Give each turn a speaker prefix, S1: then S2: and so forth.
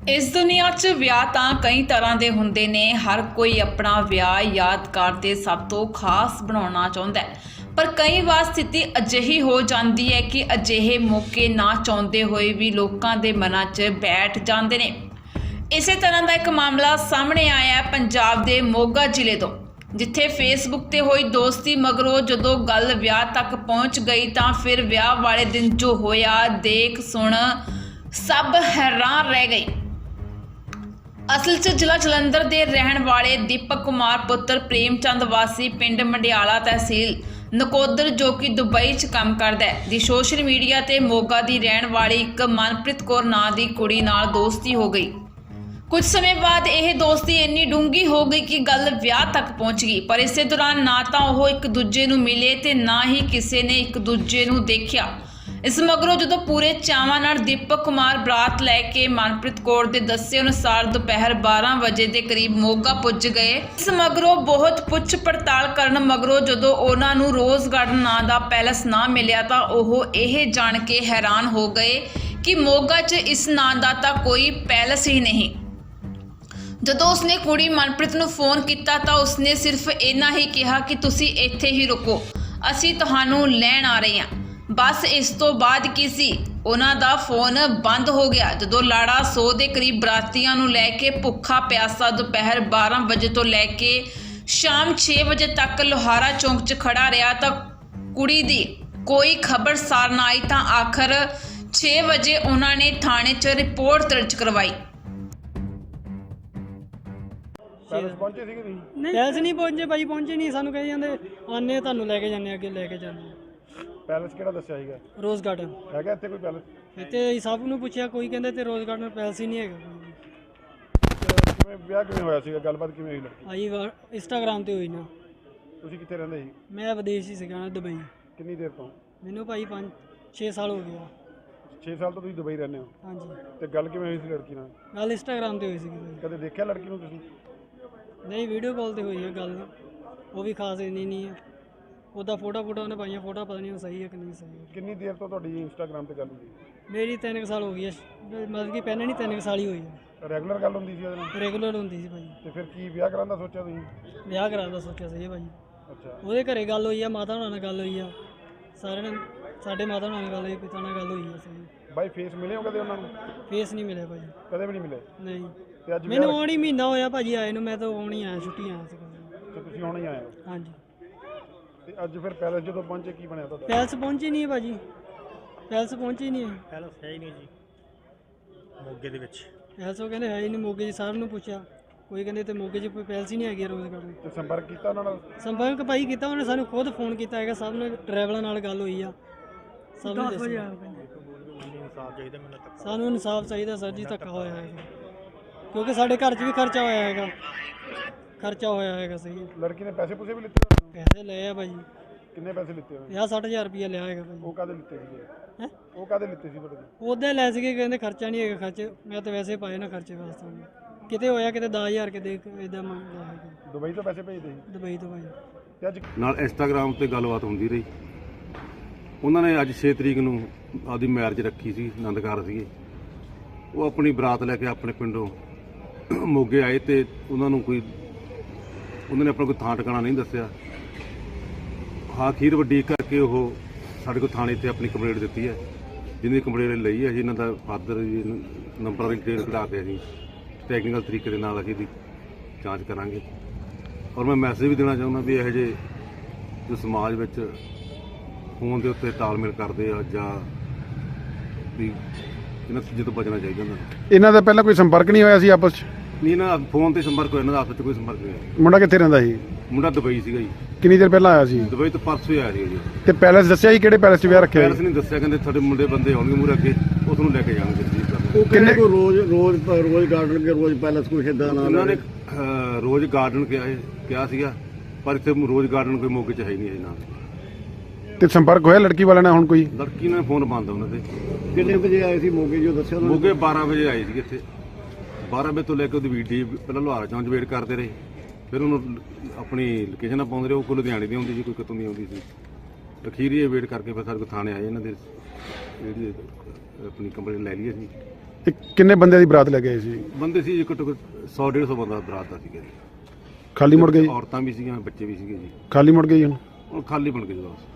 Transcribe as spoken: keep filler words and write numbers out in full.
S1: इस दुनिया च विआह तां कई तरह के हुंदे ने। हर कोई अपना विआह यादगार ते सब तो खास बनाउणा चाहुंदा है, पर कई बार स्थिति अजिही हो जाती है कि अजिहे मौके ना चाहुंदे होए भी लोकां दे मनां च बैठ जांदे ने। इसे तरह का एक मामला सामने आया है पंजाब के मोगा जिले तो, जिथे फेसबुक ते होई दोस्ती मगरों जदों गल विआह तक पहुंच गई तां फिर विआह वाले दिन जो होया देख सुन सब हैरान रह गई। असल च जिला जलंधर के रहने वाले दीपक कुमार पुत्र प्रेमचंद वासी पिंड मंडियाला तहसील नकोदर जो कि दुबई च काम करदा है दी सोशल मीडिया ते मोगा की रहने वाली एक मनप्रीत कौर नां दी कुड़ी नाल दोस्ती हो गई। कुछ समय बाद यह दोस्ती इन्नी डूंगी हो गई कि गल विआह तक पहुंच गई, पर इस दौरान ना तो वह एक दूजे नूं मिले ते ना ही किसी ने एक दूजे नूं देखा। इस मगरों जो पूरे चावां नाल दीपक कुमार बरात लैके मनप्रीत कौर के दस्से अनुसार दोपहर बारह बजे के करीब मोगा पुज गए। इस मगरों बहुत पुछ पड़ताल करन मगरों जो उन्होंने रोज़ गार्डन नां दा पैलेस ना मिलिया तो वह यह जान के हैरान हो गए कि मोगा च इस नां दा तां कोई पैलेस ही नहीं। जदों उसने कुड़ी मनप्रीत नूं फोन किया तो उसने सिर्फ इन्ना ही कहा कि तुसी इत्थे ही रुको, असी तुहानूं लैण आ रहे हैं। बस इस तो बाद की सी उन्हां दा फोन बंद हो गया। जदों लाड़ा सौ के करीब बरातियां नूं लैके भुखा प्यासा दोपहर बारह बजे तो लैके शाम छे बजे तक लोहारा चौंक च खड़ा रहा तो कुड़ी दी कोई खबर सार ना आई तो आखिर छे बजे उन्होंने थाने च रिपोर्ट दर्ज करवाई।
S2: पैलेस पहुंचे ਸੀਗੇ ਤੁਸੀਂ?
S3: ਨਹੀਂ ਪੈਲਸ ਨਹੀਂ ਪਹੁੰਚੇ ਭਾਈ, ਪਹੁੰਚੇ ਨਹੀਂ। ਸਾਨੂੰ ਕਹੀ ਜਾਂਦੇ ਆਨੇ ਤੁਹਾਨੂੰ ਲੈ ਕੇ ਜਾਂਦੇ ਅੱਗੇ ਲੈ ਕੇ ਜਾਂਦੇ।
S2: ਪੈਲਸ ਕਿਹੜਾ ਦੱਸਿਆ ਸੀਗਾ?
S3: ਰੋਜ਼ ਗਾਰਡਨ
S2: ਹੈਗਾ ਇੱਥੇ ਕੋਈ ਪੈਲਸ?
S3: ਇੱਥੇ ਸਭ ਨੂੰ ਪੁੱਛਿਆ, ਕੋਈ ਕਹਿੰਦੇ ਤੇ ਰੋਜ਼ ਗਾਰਡਨ ਪੈਲਸ ਹੀ ਨਹੀਂ ਹੈਗਾ ਕੋਈ।
S2: ਕਿਵੇਂ ਵਿਆਹ ਕਿਵੇਂ ਹੋਇਆ ਸੀਗਾ? ਗੱਲਬਾਤ ਕਿਵੇਂ ਹੋਈ ਲੜਕੀ?
S3: ਆਈ ਵਾਰ ਇੰਸਟਾਗ੍ਰਾਮ ਤੇ ਹੋਈ ਨਾ।
S2: ਤੁਸੀਂ ਕਿੱਥੇ ਰਹਿੰਦੇ ਸੀ?
S3: ਮੈਂ ਵਿਦੇਸ਼ ਹੀ ਸੀਗਾ ਨਾ, ਦੁਬਈ।
S2: ਕਿੰਨੀ ਦੇਰ ਤੋਂ?
S3: ਮੈਨੂੰ ਭਾਈ ਪੰਜ ਛੇ ਸਾਲ ਹੋ ਗਿਆ।
S2: ਛੇ ਸਾਲ ਤੋਂ ਤੁਸੀਂ ਦੁਬਈ ਰਹਿੰਦੇ ਹੋ?
S3: ਹਾਂਜੀ।
S2: ਤੇ ਗੱਲ ਕਿਵੇਂ ਹੋਈ ਸੀ ਲੜਕੀ ਨਾਲ?
S3: ਗੱਲ ਇੰਸਟਾਗ੍ਰਾਮ ਤੇ ਹੋਈ ਸੀਗੀ ਭਾਈ।
S2: ਕਦੇ ਦੇਖਿਆ ਲੜਕੀ ਨੂੰ ਤੁਸੀਂ?
S3: ਨਹੀਂ, ਵੀਡੀਓ ਕਾਲ ਤੇ ਹੋਈ ਹੈ ਗੱਲ, ਉਹ ਵੀ ਖਾਸ ਇੰਨੀ ਨਹੀਂ ਹੈ। ਉਹਦਾ ਫੋਟੋ ਫੋਟੋ ਉਹਨੇ ਪਾਈਆਂ, ਫੋਟੋ ਪਤਾ ਨਹੀਂ ਉਹ ਸਹੀ ਹੈ ਕਿ ਨਹੀਂ ਸਹੀ ਹੈ।
S2: ਕਿੰਨੀ ਦੇਰ ਤੋਂ ਤੁਹਾਡੀ ਇੰਸਟਾਗ੍ਰਾਮ ਤੇ ਗੱਲ ਹੁੰਦੀ?
S3: ਮੇਰੀ ਤਿੰਨ ਕੁ ਸਾਲ ਹੋ ਗਈ ਹੈ, ਮਤਲਬ ਕਿ ਪਹਿਲਾਂ ਨਹੀਂ ਤਿੰਨ ਕੁ ਸਾਲ ਹੀ ਹੋਈ ਹੈ।
S2: ਰੈਗੂਲਰ ਗੱਲ ਹੁੰਦੀ ਸੀ ਉਹਦੇ ਨਾਲ?
S3: ਰੈਗੂਲਰ ਹੁੰਦੀ ਸੀ ਭਾਈ।
S2: ਤੇ ਫਿਰ ਕੀ ਵਿਆਹ ਕਰਾਉਣ ਦਾ ਸੋਚਿਆ ਤੁਸੀਂ?
S3: ਵਿਆਹ ਕਰਾਉਣ ਦਾ ਸੋਚਿਆ ਸੀ ਭਾਈ।
S2: ਅੱਛਾ।
S3: ਉਹਦੇ ਘਰੇ ਗੱਲ ਹੋਈ ਆ, ਮਾਤਾ ਹੋਣਾ ਨਾਲ ਗੱਲ ਹੋਈ ਆ, ਸਾਰਿਆਂ ਨਾਲ ਸਾਡੇ ਮਾਤਾ ਹੋਣਾ ਨਾਲ ਗੱਲ ਹੋਈ, ਪਿਤਾ ਨਾਲ ਗੱਲ ਹੋਈ ਆ ਸਹੀ।
S2: ਬਾਈ ਫੇਸ ਮਿਲੇ ਹੋ ਕਦੇ ਉਹਨਾਂ ਨੂੰ?
S3: ਫੇਸ ਨਹੀਂ ਮਿਲਿਆ ਭਾਜੀ,
S2: ਕਦੇ ਵੀ ਨਹੀਂ ਮਿਲੇ?
S3: ਨਹੀਂ।
S2: ਤੇ ਅੱਜ
S3: ਮੈਨੂੰ ਆਉਣ ਹੀ ਮਹੀਨਾ ਹੋਇਆ ਭਾਜੀ ਆਏ ਨੂੰ, ਮੈਂ ਤਾਂ ਆਉਣ ਹੀ ਆਇਆ, ਛੁੱਟੀ ਆਇਆ ਸੀ।
S2: ਤੇ ਤੁਸੀਂ ਹੁਣ ਹੀ ਆਏ ਹੋ?
S3: ਹਾਂਜੀ।
S2: ਤੇ ਅੱਜ ਫਿਰ ਪੈਲਸ ਜਦੋਂ ਪਹੁੰਚੇ ਕੀ ਬਣਿਆ ਤੁਹਾਡਾ?
S3: ਪੈਲਸ ਪਹੁੰਚੀ ਨਹੀਂ ਹੈ ਭਾਜੀ, ਪੈਲਸ ਪਹੁੰਚੀ ਨਹੀਂ ਹੈ।
S4: ਪੈਲਸ ਹੈ ਹੀ ਨਹੀਂ ਜੀ ਮੋਗੇ ਦੇ ਵਿੱਚ।
S3: ਪੈਲਸ ਉਹ ਕਹਿੰਦੇ ਹੈ ਹੀ ਨਹੀਂ ਮੋਗੇ 'ਚ, ਸਾਰਿਆਂ ਨੂੰ ਪੁੱਛਿਆ, ਕੋਈ ਕਹਿੰਦੇ ਤੇ ਮੋਗੇ 'ਚ ਕੋਈ ਪੈਲਸ ਹੀ ਨਹੀਂ ਹੈਗੀ ਰੋਜ਼ ਗਾਰਡਨ।
S2: ਤੇ ਸੰਪਰਕ ਕੀਤਾ ਉਹਨਾਂ ਨਾਲ?
S3: ਸੰਪਰਕ ਭਾਈ ਕੀਤਾ, ਉਹਨੇ ਸਾਨੂੰ ਖੁਦ ਫੋਨ ਕੀਤਾ ਹੈਗਾ, ਸਭ ਨੇ ਡਰਾਈਵਰਾਂ ਨਾਲ ਗੱਲ ਹੋਈ ਆ, ਸਭ ਨੂੰ ਦੱਸਿਆ।
S4: ਇਨਸਾਫ ਚਾਹੀਦਾ ਮੈਨੂੰ ਤੱਕ।
S3: ਸਾਨੂੰ ਇਨਸਾਫ ਚਾਹੀਦਾ ਸਰ ਜੀ, ਧੱਕਾ ਹੋਇਆ ਹੈਗਾ, ਕਿਉਂਕਿ ਸਾਡੇ ਘਰ 'ਚ ਵੀ ਖਰਚਾ ਹੋਇਆ ਹੈਗਾ, ਖਰਚਾ ਹੋਇਆ ਹੈਗਾ ਸਹੀ ਹੈ।
S2: ਲੜਕੀ ਨੇ ਪੈਸੇ ਪੂਸੇ ਵੀ ਲਿੱਤੇ ਉਹਨਾਂ ਨੂੰ?
S3: ਪੈਸੇ ਲਏ ਆ ਭਾਜੀ।
S2: ਕਿੰਨੇ ਪੈਸੇ ਲਿੱਤੇ ਉਹਨੇ?
S3: ਪੰਜਾਹ ਸੱਠ ਹਜ਼ਾਰ ਰੁਪਇਆ ਲਿਆ ਹੈਗਾ ਭਾਜੀ।
S2: ਉਹ ਕਾਹਦੇ ਲਿੱਤੇ ਸੀਗੇ?
S3: ਹੈਂ?
S2: ਉਹ ਕਾਹਦੇ ਲਿੱਤੇ ਸੀ ਤੁਹਾਡੇ ਤੋਂ?
S3: ਉਹਦੇ ਲੈ ਸੀਗੇ, ਕਹਿੰਦੇ ਖਰਚਾ ਨਹੀਂ ਹੈਗਾ, ਖਰਚੇ ਮੈਂ ਤਾਂ ਵੈਸੇ ਪਾਏ ਨਾ ਖਰਚੇ ਵਾਸਤੇ। ਕਿਤੇ ਹੋਇਆ ਕਿਤੇ ਦਸ ਹਜ਼ਾਰ ਕਿਤੇ ਇੱਦਾਂ ਮੰਗਦਾ ਹੈਗਾ।
S2: ਦੁਬਈ ਤੋਂ ਪੈਸੇ ਭੇਜਦੇ ਸੀ?
S3: ਦੁਬਈ ਤੋਂ ਭਾਈ।
S2: ਤੇ ਅੱਜ
S5: ਨਾਲ ਇੰਸਟਾਗ੍ਰਾਮ ਤੇ ਗੱਲਬਾਤ ਹੁੰਦੀ ਰਹੀ। ਉਹਨਾਂ ਨੇ ਅੱਜ ਛੇ ਤਰੀਕ ਨੂੰ ਆਪਦੀ ਮੈਰਿਜ ਰੱਖੀ ਸੀ, ਆਨੰਦਕਾਰ ਸੀਗੇ। ਉਹ ਆਪਣੀ ਬਰਾਤ ਲੈ ਕੇ ਆਪਣੇ ਪਿੰਡੋਂ ਮੋਗੇ ਆਏ ਤੇ ਉਹਨਾਂ ਨੂੰ ਕੋਈ ਉਹਨਾਂ ਨੇ ਆਪਣਾ ਕੋਈ ਥਾਂ ਟਿਕਾਣਾ ਨਹੀਂ ਦੱਸਿਆ। ਹਾਂ, ਅਖੀਰ ਵੱਡੀ ਕਰਕੇ ਉਹ ਸਾਡੇ ਕੋਲ ਥਾਣੇ 'ਤੇ ਆਪਣੀ ਕੰਪਲੇਂਟ ਦਿੱਤੀ ਹੈ, ਜਿਹਦੀ ਕੰਪਲੇਂਟ ਲਈ ਹੈ ਜੀ। ਇਹਨਾਂ ਦਾ ਫਾਦਰ ਜੀ ਨੰਬਰਾਂ ਦੀ ਡਿਟੇਲ ਕਢਾ ਕੇ ਅਸੀਂ ਟੈਕਨੀਕਲ ਤਰੀਕੇ ਦੇ ਨਾਲ ਅਸੀਂ ਇਹਦੀ ਜਾਂਚ ਕਰਾਂਗੇ। ਔਰ ਮੈਂ ਮੈਸੇਜ ਵੀ ਦੇਣਾ ਚਾਹੁੰਦਾ ਵੀ ਇਹੋ ਜਿਹੇ ਜੋ ਸਮਾਜ ਵਿੱਚ ਫੋਨ ਦੇ ਉੱਤੇ ਤਾਲਮੇਲ ਕਰਦੇ ਆ ਜਾਂ ਵੀ ਇਹਨਾਂ ਚੀਜ਼ਾਂ ਤੋਂ ਬਚਣਾ ਚਾਹੀਦਾ ਇਹਨਾਂ ਨੂੰ।
S2: ਇਹਨਾਂ ਦਾ ਪਹਿਲਾਂ ਕੋਈ ਸੰਪਰਕ ਨਹੀਂ ਹੋਇਆ ਸੀ ਆਪਸ 'ਚ?
S5: ਨਹੀਂ ਨਾ, ਫੋਨ ਤੇ ਸੰਪਰਕ ਹੋਇਆ, ਇਹਨਾਂ ਦਾ ਆਪਸ 'ਚ ਕੋਈ ਸੰਪਰਕ ਨਹੀਂ ਹੋਇਆ।
S2: ਮੁੰਡਾ ਕਿੱਥੇ ਰਹਿੰਦਾ ਸੀ?
S5: ਮੁੰਡਾ ਦੁਬਈ ਸੀਗਾ ਜੀ।
S2: ਕਿੰਨੀ ਦੇਰ ਪਹਿਲਾਂ ਆਇਆ ਸੀ?
S5: ਦੁਬਈ ਤੋਂ ਪਰਸੋਂ ਹੀ ਆਇਆ ਸੀ ਜੀ।
S2: ਤੇ ਪੈਲਸ ਦੱਸਿਆ ਸੀ ਕਿਹੜੇ ਪੈਲਸ 'ਚ ਵਿਆਹ ਰੱਖਿਆ?
S5: ਪੈਲਸ ਨਹੀਂ ਦੱਸਿਆ, ਕਹਿੰਦੇ ਤੁਹਾਡੇ ਮੁੰਡੇ ਬੰਦੇ ਆਉਣਗੇ ਮੂਹਰੇ ਅੱਗੇ, ਉਹ ਤੁਹਾਨੂੰ ਲੈ ਕੇ ਜਾਣਗੇ ਜੀ।
S4: ਉਹ ਕਿੰਨੇ ਕੋ ਰੋਜ਼ ਰੋਜ਼ ਰੋਜ਼ ਗਾਰਡਨ ਕੇ ਰੋਜ਼ ਪੈਲਸ ਕੋਈ ਏਦਾਂ ਨਾ
S5: ਉਹਨਾਂ ਨੇ ਅਹ, ਰੋਜ਼ ਗਾਰਡਨ ਕਿਹਾ ਕਿਹਾ ਸੀਗਾ, ਪਰ ਇੱਥੇ ਰੋਜ਼ ਗਾਰਡਨ ਕੋਈ ਮੌਕੇ 'ਚ ਹੈ ਹੀ ਨਹੀਂ ਹੈ ਨਾਲ।
S2: ਤੇ ਸੰਪਰਕ ਹੋਇਆ ਲੜਕੀ ਵਾਲਿਆਂ ਨਾਲ ਹੁਣ ਕੋਈ?
S5: ਲੜਕੀ ਨੇ ਫੋਨ ਬੰਦ ਉਹਨਾਂ ਦੇ।
S4: ਕਿੰਨੇ ਵਜੇ ਆਏ ਸੀ ਮੋਗੇ ਜੋ ਦੱਸਿਆ ਉਹਨਾਂ ਨੇ?
S5: ਮੋਗੇ ਬਾਰਾਂ ਵਜੇ ਆਏ ਸੀ ਇੱਥੇ। ਬਾਰਾਂ ਵਜੇ ਤੋਂ ਲੈ ਕੇ ਉਹਦੀ ਵੀਡੀਓ ਪਹਿਲਾਂ ਲੋਹਾਰਾ ਚੌਂਚ ਵੇਟ ਕਰਦੇ ਰਹੇ, ਫਿਰ ਉਹਨੂੰ ਆਪਣੀ ਲੋਕੇਸ਼ਨਾਂ ਪਾਉਂਦੇ ਰਹੇ। ਉਹ ਕੋਈ ਲੁਧਿਆਣੇ ਦੀ ਆਉਂਦੀ ਸੀ, ਕੋਈ ਕਿਤੋਂ ਦੀ ਆਉਂਦੀ ਸੀ। ਅਖੀਰੀ ਇਹ ਵੇਟ ਕਰਕੇ ਫਿਰ ਸਾਡੇ ਕੋਲ ਥਾਣੇ ਆਏ, ਇਹਨਾਂ ਦੇ ਜਿਹੜੀ ਆਪਣੀ ਕੰਪਲੇਂਟ ਲੈ ਲਈ ਅਸੀਂ।
S2: ਇਹ ਕਿੰਨੇ ਬੰਦਿਆਂ ਦੀ ਬਰਾਤ ਲੈ ਕੇ ਆਏ ਸੀ?
S5: ਬੰਦੇ ਸੀ ਜੀ ਘੱਟੋ ਘੱਟ ਸੌ ਡੇਢ ਸੌ ਬੰਦਾ ਬਰਾਤ ਦਾ ਸੀਗਾ ਜੀ।
S2: ਖਾਲੀ ਮੁੜ ਗਏ ਜੀ?
S5: ਔਰਤਾਂ ਵੀ ਸੀਗੀਆਂ, ਬੱਚੇ ਵੀ ਸੀਗੇ ਜੀ।
S2: ਖਾਲੀ ਮੁੜ ਗਏ ਜੀ ਹੁਣ?
S5: ਹੁਣ ਖਾਲੀ ਬਣ ਗਏ ਜੀ ਬਸ।